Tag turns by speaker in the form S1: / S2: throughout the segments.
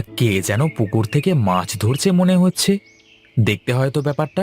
S1: কে যেন পুকুর থেকে মাছ ধরছে মনে হচ্ছে। দেখতে হয়তো ব্যাপারটা।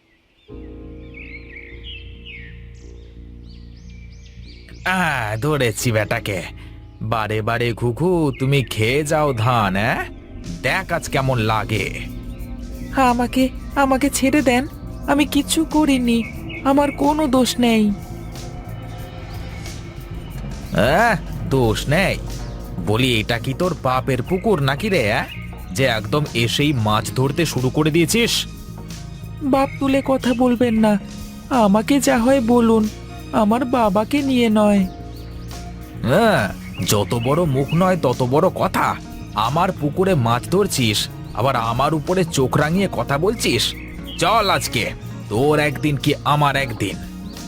S1: ধরেছি বেটাকে। বারে বারে ঘুঘু, তুমি খেয়ে যাও ধান। দেখ আজ কেমন লাগে। আমাকে আমাকে ছেড়ে দেন, আমি কিচ্ছু করিনি, আমার কোনো দোষ নেই। দোষ নেই? বলি, এটা কি তোর বাপের পুকুর নাকি রে? যে একদম এসেই মাছ ধরতে শুরু করে দিয়েছিস। বাপ তুলে কথা বলবেন না, আমাকে যা হয় বলুন, আমার বাবাকে নিয়ে নয়। হ্যাঁ, যত বড় মুখ নয় তত বড় কথা। আমার পুকুরে মাছ ধরছিস, আবার আমার উপরে চোখ রাঙিয়ে কথা বলছিস। চল আজকে, তোর একদিন কি আমার একদিন।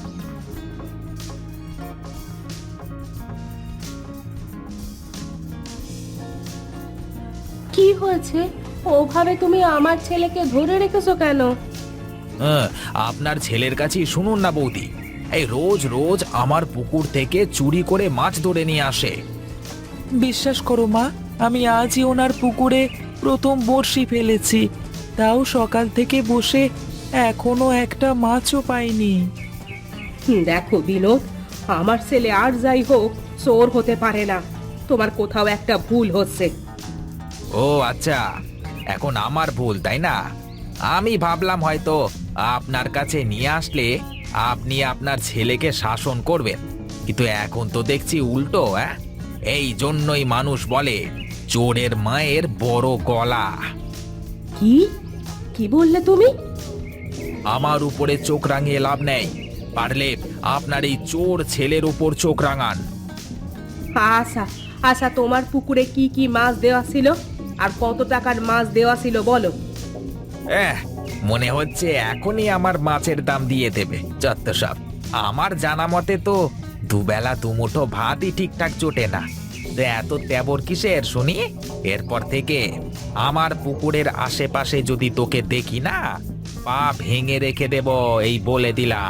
S2: কি হয়েছে? ওভাবে তুমি আমার ছেলেকে ধরে রেখেছো কেন?
S1: আপনার ছেলের কাছেই শুনুন না বৌদি। এই রোজ রোজ আমার পুকুর থেকে চুরি করে মাছ ধরে নিয়ে আসে। বিশ্বাস করো মা, আমি আজই ওনার পুকুরে প্রথম বড়শি ফেলেছি, তাও সকাল থেকে বসে এখনো একটা মাছও পাইনি।
S2: দেখো বিনোদ, আমার ছেলে আর যাই হোক চোর হতে পারে না। তোমার কোথাও একটা ভুল হচ্ছে।
S1: ও আচ্ছা, এখন আমার ভুল তাই না? আমি ভাবলাম হয়তো আপনার কাছে নিয়ে আসলে আপনি আপনার ছেলেকে শাসন করবেন, কিন্তু এখন তো দেখছি উল্টো। এই জন্যই মানুষ বলে চোরের মায়ের বড় গলা।
S2: কি কি বললে তুমি?
S1: আমার উপরে চোখ রাঙিয়ে লাভ নেই, পারলে আপনার এই চোর ছেলের উপর চোখ রাঙান।
S2: আচ্ছা আচ্ছা, তোমার পুকুরে কি কি মাছ দেওয়া ছিল আর কত টাকার মাছ দেওয়া ছিল বলো।
S1: এহ, মনে হচ্ছে এখনই আমার মাছের দাম দিয়ে দেবে যত সব। আমার জানা মতে তো দুবেলা দুমুঠো ভাতই ঠিকঠাক জোটে না, তো এত তেবর কিসের শুনি? এরপর থেকে আমার পুকুরের আশেপাশে যদি তোকে দেখি না, পা ভেঙে রেখে দেব, এই বলে দিলাম।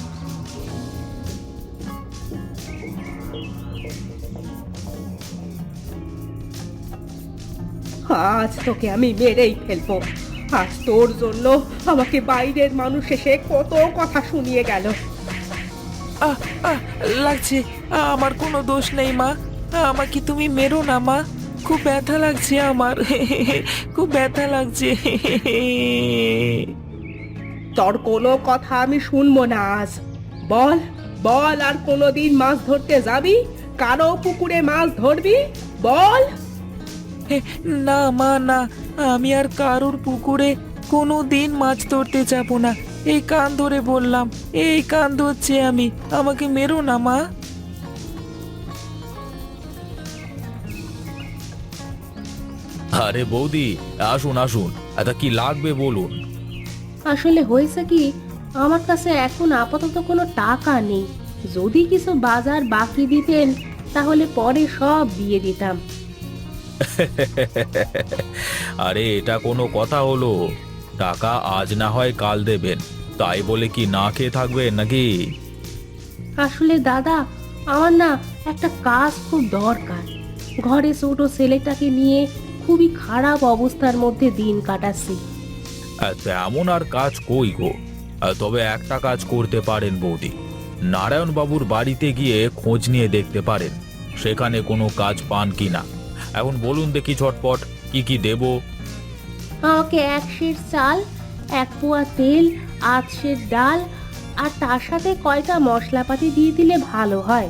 S2: আজ তোকে আমি মেরেই ফেলবো। আজ তোর জন্য আমাকে বাইরের মানুষ এসে কত কথা শুনিয়ে গেল।
S1: আহ আহ লাগছে, আমার কোনো দোষ নেই মা, আমাকে তুমি মেরো না মা, খুব ব্যথা লাগছে আমার। খুব ব্যথা লাগছে।
S2: তোর কোনো কথা আমি শুনবো না আজ। বল বল, আর কোনোদিন মাছ ধরতে যাবি? কারো পুকুরে মাছ ধরবি? বল।
S1: না মা, না, আমি আর কারোর পুকুরে কোনো দিন মাছ ধরতে যাব না। এই কান ধরে বললাম, এই কান ধরছি আমি, আমাকে মেরো না মা। আরে বৌদি, আসুন আসুন, এটা কি লাগবে বলুন।
S2: আসলে হয়েছে কি, আমার কাছে এখন আপাতত কোনো টাকা নেই। যদি কিছু বাজার বাকি দিতেন তাহলে পরে সব দিয়ে দিতাম।
S1: আরে এটা কোনো কথা হলো? টাকা আজ না হয় কাল দেবেন, তাই বলে কি না খেয়ে থাকবেন নাকি?
S2: আসলে দাদা, আমার না একটা কাজ খুব দরকার। ঘরে ছোট ছেলেটাকে নিয়ে খুবই খারাপ অবস্থার মধ্যে দিন কাটাচ্ছি।
S1: তেমন আর কাজ কই গো। তবে একটা কাজ করতে পারেন বৌদি, নারায়ণ বাবুর বাড়িতে গিয়ে খোঁজ নিয়ে দেখতে পারেন সেখানে কোনো কাজ পান কিনা। এখন বলুন দেখি ঝটপট, কি কি দেব?
S2: আমাকে 1 সের চাল, 1 পোয়া তেল, 8 সের ডাল, আর তার সাথে কয়টা মশলাপাতি দিয়ে দিলে ভালো হয়।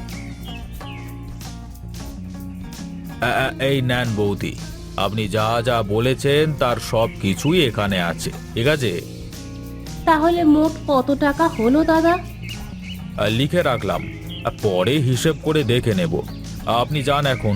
S1: এই নেন বৌদি, আপনি যা যা বলেছেন তার সব কিছুই এখানে আছে, ঠিক আছে?
S2: তাহলে মোট কত টাকা হলো দাদা?
S1: লিখে রাখলাম, পরে হিসেব করে দেখে নেব। আপনি যান এখন।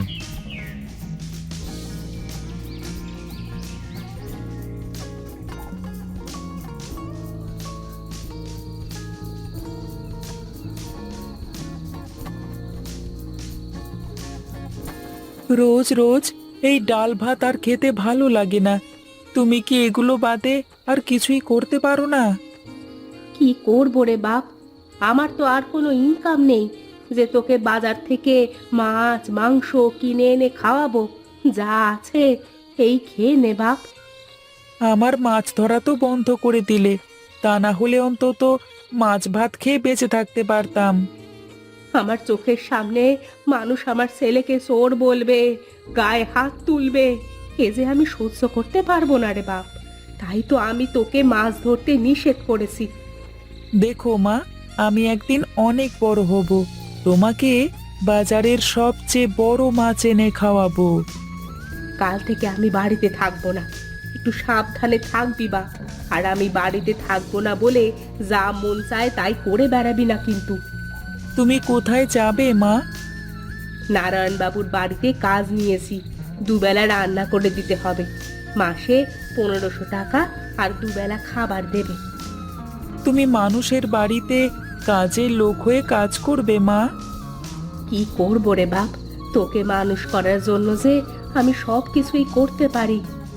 S1: রোজ রোজ এই ডাল ভাত আর খেতে ভালো লাগে না। তুমি কি এগুলো বাদে আর কিছুই করতে পারো না?
S2: কি করবো রে বাপ, আমার তো আর কোনো ইনকাম নেই যে তোকে বাজার থেকে মাছ মাংস কিনে এনে খাওয়াবো। যা আছে এই খেয়ে নে বাপ।
S1: আমার মাছ ধরা তো বন্ধ করে দিলে, তা না হলে অন্তত মাছ ভাত খেয়ে বেঁচে থাকতে পারতাম।
S2: আমার চোখের সামনে মানুষ আমার ছেলেকে চোর বলবে, গায়ে হাত তুলবে, এ যে আমি সহ্য করতে পারবো না রে বাপ। তাই তো আমি তোকে মাছ ধরতে নিষেধ করেছি।
S1: দেখো মা, আমি একদিন অনেক বড় হব, তোমাকে বাজারের সবচেয়ে বড় মাছ এনে খাওয়াবো।
S2: কাল থেকে আমি বাড়িতে থাকবো না, একটু সাবধানে থাকবি বা। আর আমি বাড়িতে থাকবো না বলে যা মন চায় তাই করে বেড়াবি না কিন্তু।
S1: তুমি কোথায় যাবে মা?
S2: নারায়ণ বাবুর বাড়িতে কাজ নিয়েছি, দুবেলা রান্না করে দিতে হবে। মাসে 1500 টাকা আর দুবেলা খাবার দেবে।
S1: তুমি মানুষের বাড়িতে কাজের লোক হয়ে কাজ করবে মা?
S2: কি করবো রে বাপ, তোকে মানুষ করার জন্য যে আমি সব কিছুই করতে পারি।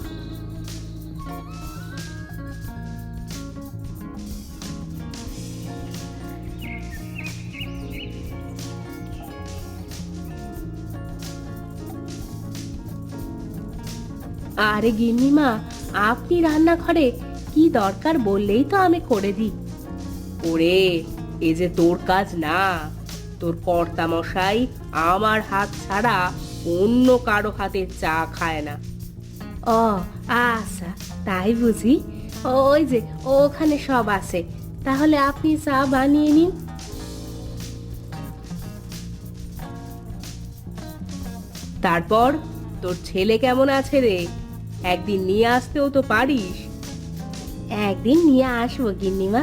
S2: আরে গিন্নিমা, আপনি রান্নাঘরে, কি দরকার বললেই তো আমি করে দিই। ওরে, এ যে তোর কাজ না, তোর কর্তা মশাই আমার হাত ছাড়া অন্য কারো হাতের চা খায় না। ও আচ্ছা, তাই বুঝি। ওই যে ওখানে সব আছে, তাহলে আপনি চা বানিয়ে নিন। তারপর তোর ছেলে কেমন আছে রে? একদিন নিয়ে আসতেও তো পারিস। একদিন নিয়ে আসবো গিন্নিমা।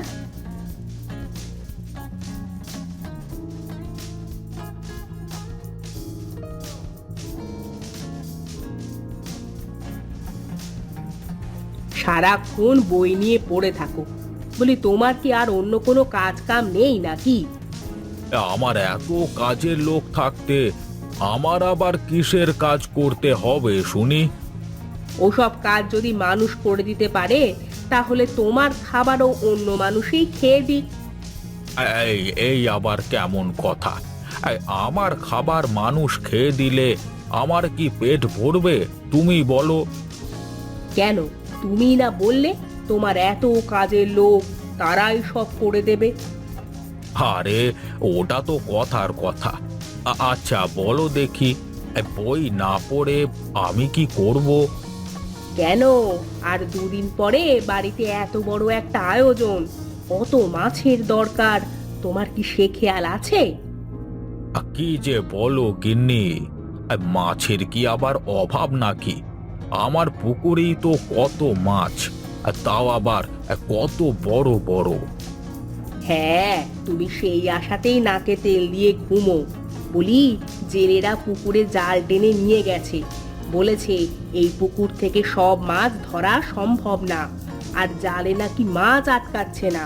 S2: সারাক্ষণ বই নিয়ে পড়ে থাকো, বলি তোমার কি আর অন্য কোনো কাজ কাম নেই নাকি?
S1: আমার এত কাজের লোক থাকতে আমার আবার কিসের কাজ করতে হবে শুনি?
S2: ওসব কাজ যদি মানুষ করে দিতে পারে, তাহলে তোমার খাবারও অন্য মানুষই খেয়ে দিক।
S1: এই এই আবার কেমন কথা? আমার খাবার মানুষ খেয়ে দিলে আমার কি পেট ভরবে তুমি বলো?
S2: কেন, তুমি না বললে তোমার এত কাজের লোক, তারাই সব করে দেবে?
S1: আরে ওটা তো কথার কথা। আচ্ছা বলো দেখি, বই না পড়ে আমি কি করব?
S2: কেন, আর দুদিন পরে বাড়িতে এত বড় একটা আয়োজন, কত মাছের দরকার, তোমার কি সে খেয়াল আছে?
S1: কি যে বলো গিন্নি, মাছের কি আবার অভাব নাকি? আমার পুকুরেই তো কত মাছ, আর তাও আবার কত বড় বড়।
S2: হ্যাঁ, তুমি সেই আশাতেই নাকে তেল দিয়ে ঘুমো। বলি, জেলেরা পুকুরে জাল টেনে নিয়ে গেছে, বলেছে এই পুকুর থেকে সব মাছ ধরা সম্ভব না, আর জালে নাকি মাছ আটকাচ্ছে না।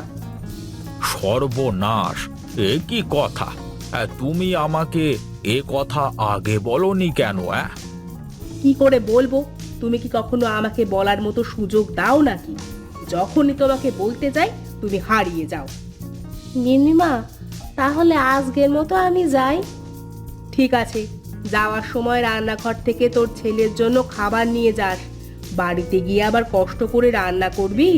S1: সর্বনাশ! এ কি কথা? তুমি আমাকে এ কথা আগে বলনি কেন?
S2: কি করে বলবো? তুমি কি কখনো আমাকে বলার মতো সুযোগ দাও নাকি? যখনই তোমাকে বলতে যাই তুমি হারিয়ে যাও। গিন্নিমা, তাহলে আজকের মতো আমি যাই। ঠিক আছে, যাওয়ার সময় রান্নাঘর থেকে তোর ছেলের জন্য খাবার নিয়ে যাস। বাড়িতে গিয়ে আবার কষ্ট করে রান্না করবি।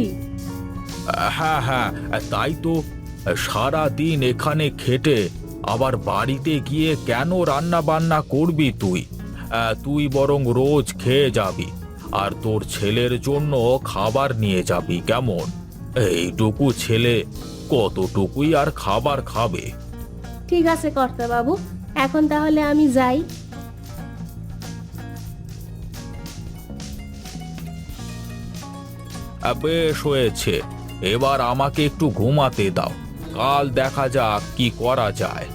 S1: হ্যাঁ হ্যাঁ, তাই তো। সারা দিন এখানে খেটে আবার বাড়িতে গিয়ে কেন রান্না বান্না করবি তুই? তুই বরং রোজ খেয়ে যাবি, আর তোর ছেলের জন্য খাবার নিয়ে যাবি কেমন? এইটুকু ছেলে কতটুকুই আর খাবার খাবে?
S2: ঠিক আছে কর্তা বাবু, এখন তাহলে আমি যাই।
S1: বেশ হয়েছে, এবার আমাকে একটু ঘুমাতে দাও, কাল দেখা যাক কি করা যায়।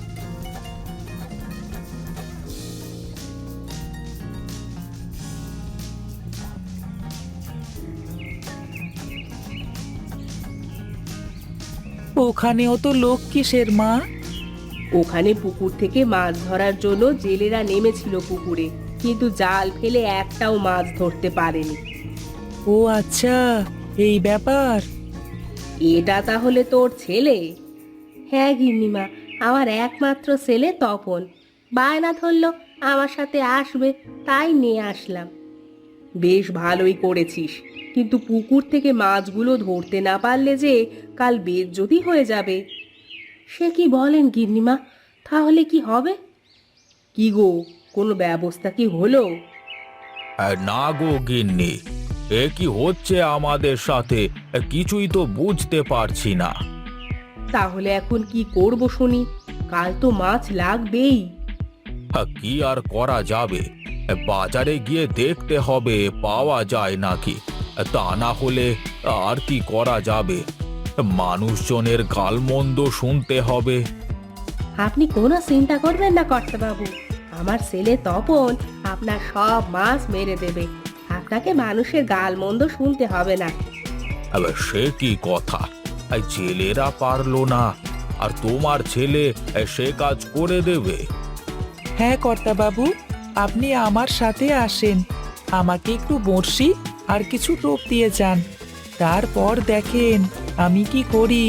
S1: ওখানেও তো লোক কিসের মা?
S2: ওখানে পুকুর থেকে মাছ ধরার জন্য জেলেরা নেমেছিল পুকুরে, কিন্তু জাল ফেলে একটাও মাছ ধরতে পারেনি।
S1: ও আচ্ছা, এই ব্যাপার।
S2: এটা তাহলে তোর ছেলে? হ্যাঁ গিন্নিমা, আমার একমাত্র ছেলে তপন। বায়না ধরলো আমার সাথে আসবে, তাই নিয়ে আসলাম। বেশ ভালোই করেছিস, কিন্তু পুকুর থেকে মাছগুলো ধরতে না পারলে যে কাল বেজ্জতি হয়ে যাবে। সে কি বলেন গিন্নিমা, তাহলে কি হবে? কি গো, কোনো ব্যবস্থা কি হলো?
S1: না গো গিন্নি, এ কি হচ্ছে আমাদের সাথে, কিছুই তো বুঝতে পারছি না।
S2: তাহলে এখন কি করব শুনি? কাল তো মাছ লাগবেই।
S1: কি আর করা যাবে, বাজারে গিয়ে দেখতে হবে পাওয়া যায় নাকি। তা না হলে আর কি করা যাবে, মানুষজনের গালমন্দ শুনতে হবে।
S2: আপনি কোনো চিন্তা করবেন না কর্তাবাবু, আমার ছেলে তপন আপনার সব মাছ মেরে দেবে। আপনাকে মানুষের গালমন্দ শুনতে হবে না।
S1: আবার সে কি কথা, এই ছেলেরা পারলো না আর তোমার ছেলে সে কাজ করে দেবে?
S3: হ্যাঁ কর্তাবাবু, আপনি আমার সাথে আসেন, আমাকে একটু বড়শি আর কিছু টোপ দিয়ে যান, তারপর দেখেন আমি কি করি।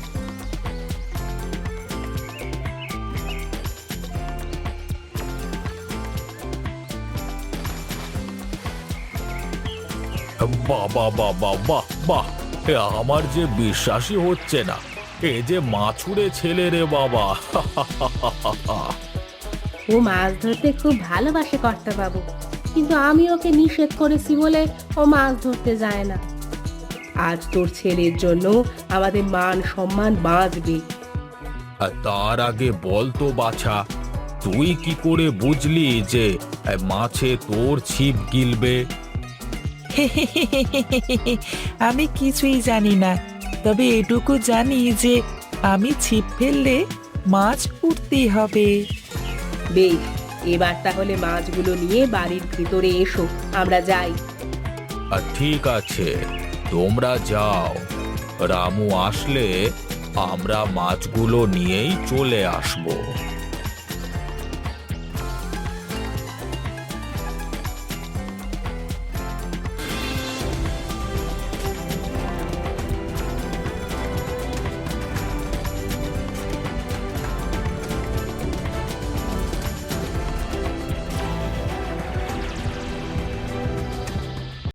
S1: বাবা বাবা বাহ বাহ, আমার যে বিশ্বাসই হচ্ছে না, এ যে মাছুরে ছেলে রে বাবা।
S2: ও মাছ ধরতে খুব ভালোবাসে কর্তাবাবু, কিন্তু আমি ওকে নিষেধ করেছি বলে ও মাছ ধরতে যায় না। আজ তোর ছেলের জন্য আমাদের মান সম্মান বাঁচবে।
S1: তার আগে বল তো বাছা, তুই কি করে বুঝলি যে মাছে তোর ছিপ গিলবে?
S3: আমি কিছুই জানি না, তবে এটুকু জানি যে আমি ছিপ ফেললে মাছ উঠতেই হবে।
S2: বেশ, এবার তাহলে মাছগুলো নিয়ে বাড়ির ভিতরে এসো, আমরা যাই।
S1: ঠিক আছে, তোমরা যাও, রামু আসলে আমরা মাছগুলো নিয়েই চলে আসবো।